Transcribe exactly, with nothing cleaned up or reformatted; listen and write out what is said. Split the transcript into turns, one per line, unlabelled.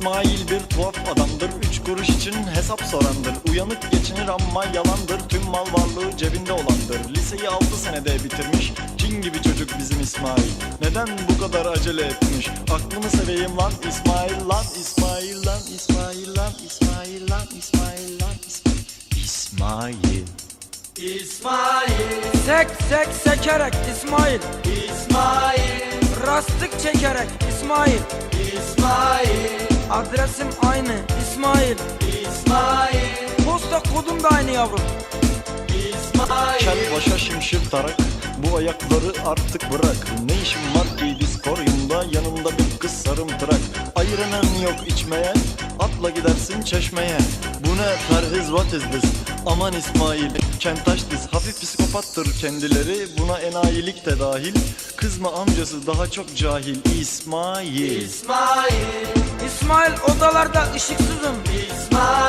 İsmail bir tuhaf adamdır, üç kuruş için hesap sorandır. Uyanık geçinir ama yalandır, tüm mal varlığı cebinde olandır. Liseyi altı senede bitirmiş, cin gibi çocuk bizim İsmail. Neden bu kadar acele etmiş? Aklımı seveyim lan İsmail lan, İsmail lan, İsmail lan, İsmail lan, İsmail lan, İsmail. İsmail.
İsmail,
Sek sek sekerek İsmail,
İsmail,
rastlık çekerek İsmail,
İsmail,
adresim aynı İsmail,
İsmail,
posta kodum da aynı yavrum.
İsmail.
Kel başa şimşir tarak, bu ayakları artık bırak. Ne işin var ki diskoryumda, yanında bir kız sarımtırak. Ayıranın yok içmeye, atla gidersin çeşmeye. Bu ne perhiz, what is this? Aman İsmail, kentaş diz, hafif psikopattır kendileri. Buna enayilik de dahil, kızma amcası daha çok cahil. İsmail.
İsmail,
İsmail odalarda ışıksızım,
İsmail.